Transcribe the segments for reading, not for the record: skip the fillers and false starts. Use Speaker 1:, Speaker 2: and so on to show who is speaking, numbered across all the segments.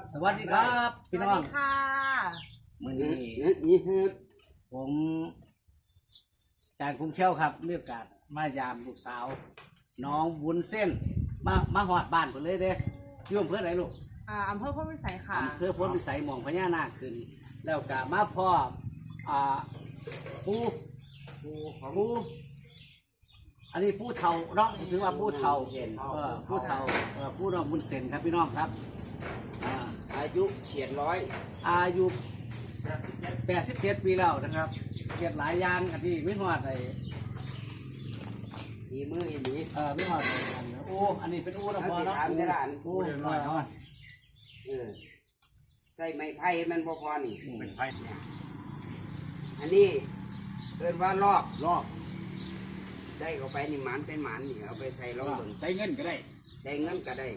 Speaker 1: สวัสดีครับพี่น้อง
Speaker 2: ค่ะ
Speaker 1: มื้อนี้ผมอาจารย์คุ้มเชี่ยวครับมีโอกาสมายามลูกสาวน้องวุ้นเส้นมาหอดบ้านเพิ่นเลยเด้อยู่อำเภอไหนลูก
Speaker 2: อำเภอพ้นวิสัยค่ะ
Speaker 1: อำเภอพ้นวิสัยหม่องพญานาคขึ้นแล้วก็มาพ่อปูอันนี้ผู้เฒ่าเนาะถือว่าผู้เฒ่าผู้เฒ่าผู้น้องวุ้นเส้นครับพี่น้องครับ
Speaker 3: อายุเฉียดร้อย
Speaker 1: อายุ87 ปีแล้วนะครับเกียรติหลายอย่างอันนี้ไม่หอดไอ้
Speaker 3: มีมืออีหลี
Speaker 1: ไม่หอดโอ้อันนี้เป็นอูนะพอเนาะอูน้อย
Speaker 3: ใส่ไม้ไผ่มันพอนี่
Speaker 1: ไม้ไผ่
Speaker 3: อันนี้เอิ้นว่าลอกได้เข้าไปนี่หมันเป็นหมันนี่เอาไปใส่ลองเบิ่ง
Speaker 1: ใส่เงินก็ได้
Speaker 3: ได้เงินก็ได้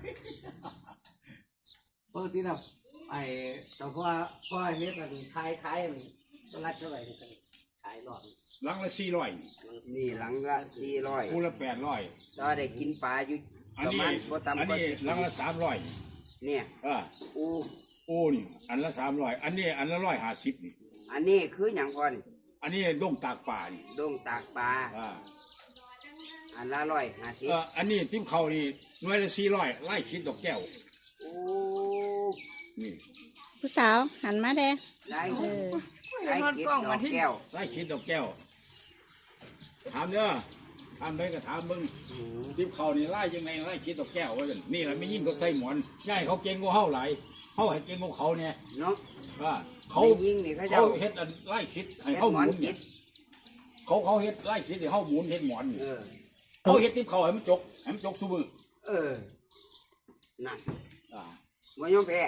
Speaker 1: ปกตินะไอ้แต่พ่อเฮ็ดอันขายอันรัดเท่าไหร่กันขายหลอด
Speaker 4: หลังละ400
Speaker 3: นี่หลังละ400
Speaker 4: คู่ละ800
Speaker 3: ก็ได้กินปลาอยู่ประมาณบ่ต่ำกว่า
Speaker 4: หลังละ300
Speaker 3: เนี่ย
Speaker 4: อูนี่อันละ300อันนี้อันละ150นี่
Speaker 3: อันนี้คือหยังก่อน
Speaker 4: อันนี้ดงตากปลานี่
Speaker 3: ดงตากปลาอันละ150
Speaker 4: อันนี้ทิ่มเขานี่หน่วยละ400ไล่คิดดอกแก้ว
Speaker 3: โอ้
Speaker 4: นี่
Speaker 5: ผู้สาวหันมาเด้
Speaker 3: ได้คิดดอกแก้ว
Speaker 4: ไล่คิดดอกแก้วถามเด้อถามได้ก็ถามมึงทิ่มเขานี่ไล่ยังไงไล่คิดดอกแก้วว่านี่แหละไม่ยิ่งก็ใส่หมอนง่ายเขาเก่งกว่าเฮาหลายเฮาให้เก่งกว่าเขาเนี่ย
Speaker 3: เนาะ
Speaker 4: เขาเฮ็ดไล่คิดให้เฮาหมุนเนี่ยเขาเฮ็ดไล่คิดให้เฮาหมุนเฮ็ดหมอนเขาเฮ็ดทิ่มเขาให้มันจกซุมือ
Speaker 3: นั่นบ่ยอมแพ้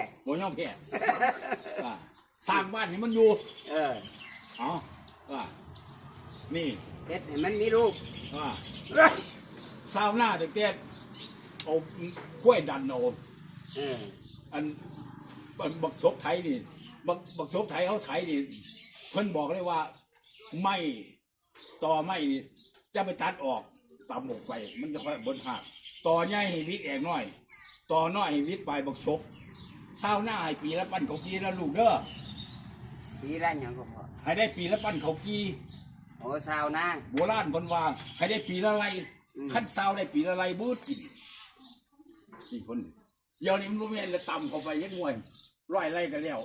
Speaker 4: สร้างบ้านให้มันอยู่
Speaker 3: อ๋อ
Speaker 4: นี่
Speaker 3: เฮ็ดให้มันมีลูก
Speaker 4: สาวหน้าเด็กๆเอากล้วยดันโนอันบักศพไทยนี่บักศพไทยเขาไทยนี่เพิ่นบอกเลยว่าไม่ต่อไม่นี่จะไปตัดออกตามหมกไปมันจะค่อยบนหักต่อใหญ่ให้วิทย์แอกน้อยต่อน้อยให้วิทย์ไปบักศพเศร้าหน้าให้ปีละปั้นเขากีละลูกเด้อ
Speaker 3: ปีละอย่างก็พอ
Speaker 4: ให้ได้ปีละปั้นเขากี
Speaker 3: โอ้เศร้าหน้า
Speaker 4: โบราณคนวางให้ได้ปีละไรขั้นเศร้าได้ปีละไรบูดกินนี่คนเดี๋ยวนี้มันรู้ไหมละต่ำเข้าไปยังงวยร้อยไรกันแล้ว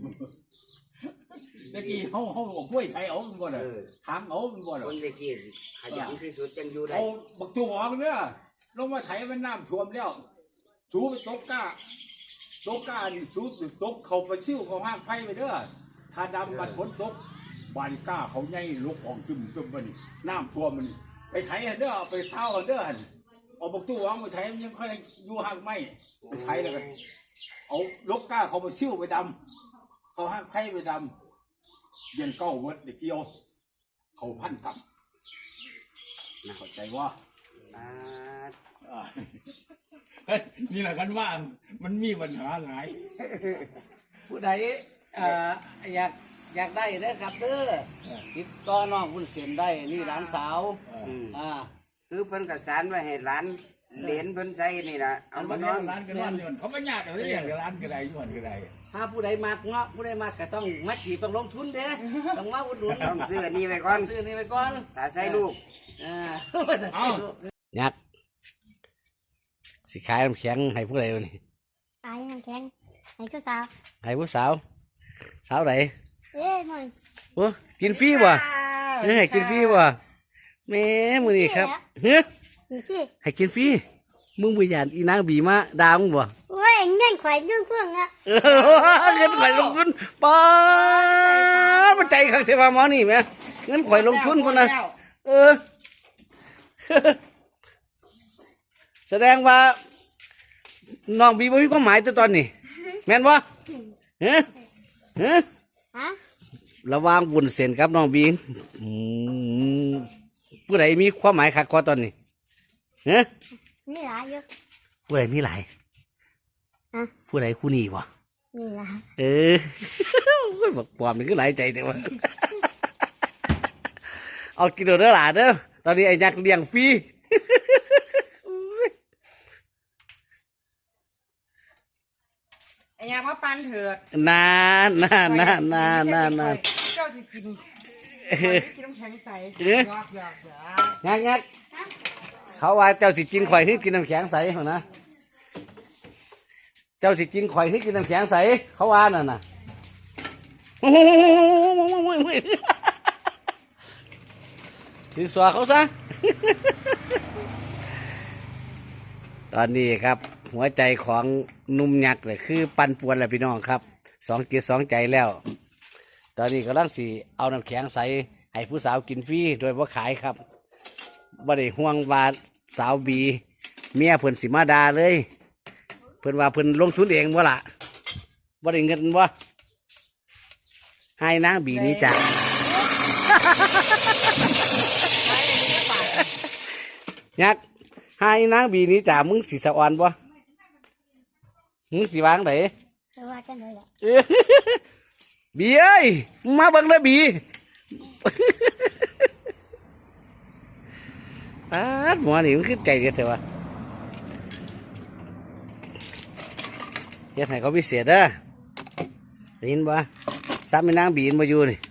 Speaker 4: ตะกี้เขาบอกกล้วยไทยเอาเป็นบ่ได้ทางเอาเป็นบ่ได้
Speaker 3: คนตะกี้ขยันที่สุดจังอยู่ได้
Speaker 4: เอาบักตัวออกเนี่ยลงมาไถมันน้ำท่วมแล้วชูไปตกก้านี่ชูตกเขาไปซิ่วเขาห้างไผ่ไปเด้อถ้าดำมันฝนตกบานก้าเขาใหญ่ลุกออกจุ่มมันน้ำท่วมมันไปไถเด้อไปเศร้าเด้อเอาบักตัวออกไปไถมันยังค่อยอยู่ห่างไม่ไปไถแล้วกันเอาลกก้าเขาไปซิ่วไปดำเขาห้างไผ่ไปดำเย็นเก้าวัดเด็กเกี่ยวเขาพันกับน่าเข้าใจว่านี่แหละกันว่ามันมีปัญหาหลาย
Speaker 1: ผู้ใดอยากได้เด้อครับเด้อติดต่อน้องวุ้นเส้นได้นี่ร้านสาว
Speaker 3: คือเพิ่นกระสานไว้ให้ร้านเหรียญเพิ่นใส่นี่ล่ะ
Speaker 4: เอามานอนร้านก็นอนอยู่เขาไม่ยากอะไรอย่างร้านก็ได้ย้อนก็ได้
Speaker 1: ถ้าผู้ใดมากเนาะผู้ใดมากก็ต้องมัดจีต้องลงทุนเด้ต้องมาอุดหนุน
Speaker 3: ต้องซื้อนี่ไปก่อนถ้าใส่ลูก
Speaker 1: ยักสิขายน้ำแข็งให้ผู้ใดวะนี่
Speaker 5: ขายน้ำแข็งให้ผู้สาว
Speaker 1: ให้ผู้สาวไหน
Speaker 5: มึง
Speaker 1: โอ้กินฟรีบ่ให้กินฟรีบ่แม่มือนี่ครับให้กินฟรีมึงไปหยาดอีนางบีมาดาวมึงบ่
Speaker 5: โอ้ยเงินข่อยเงินเพื่อนอะ
Speaker 1: เงินข่อยลงทุนป้ามันใจขังเทวาหมอนี่ไหมเงินข่อยลงทุนคนนะแสดงว่าน้องบีบ่มีความหมายตัวตอนนี้แม่นบ่ระวังบุญเส้นครับน้องบีผู้ใดมีความหมายขัดคอตอนนี้
Speaker 5: มีหลายเยอะ
Speaker 1: ผู้ใดมีหลายผู้ใดคู่นี้วะ
Speaker 5: มีหลาย
Speaker 1: บอกความมันก็หลายใจแต่ว่าเอากินเด้อหลานเด้อตอนนี้ไอ้ยักษ์เลี้ยงฟรี
Speaker 2: อ้ยามาปันเถิด
Speaker 1: นานนานนานนานนานนาน
Speaker 2: เจ้าสิกินกินน้ำแข็งใสหยอกหยอกหยอก
Speaker 1: งักงักเขาว่าเจ้าสิกินข่อยที่กินน้ำแข็งใสเหรอนะเจ้าสิกินข่อยที่กินน้ำแข็งใสเขาว่านั่นน่ะถือสวเขาซะ ตอนนี้ครับ หัวใจของหนุ่มยักษ์เลยคือปั่นป่วนแหละพี่น้องครับสองจิตสองใจแล้ว ตอนนี้กำลังสีเอาน้ำแข็งใสให้ผู้สาวกินฟรีโดยว่าขายครับบ่ได้ห่วงว่าสาวบีเมียเพิ่นสิมาดาเลย เพิ่นว่าเพิ่นลงทุนเองบ่ล่ะบ่ได้เงินบ่ให้นางบีนี้จ้ะ ยักษ์ให้นางบีนี้จ้ะมึงสิสะอ่อนบ่มึงสิวางไหน
Speaker 5: แต่ว่ากันเลยแหละ
Speaker 1: บีเอ้ยมึงมาเบิ่งเลยบีหมอนี่มันขึ้นใจเดียวเถอะวะเฮ็ดให้เขาพิเศษเด้อได้ยินบ่ซ้ำไม่นางบีนมาอยู่นี่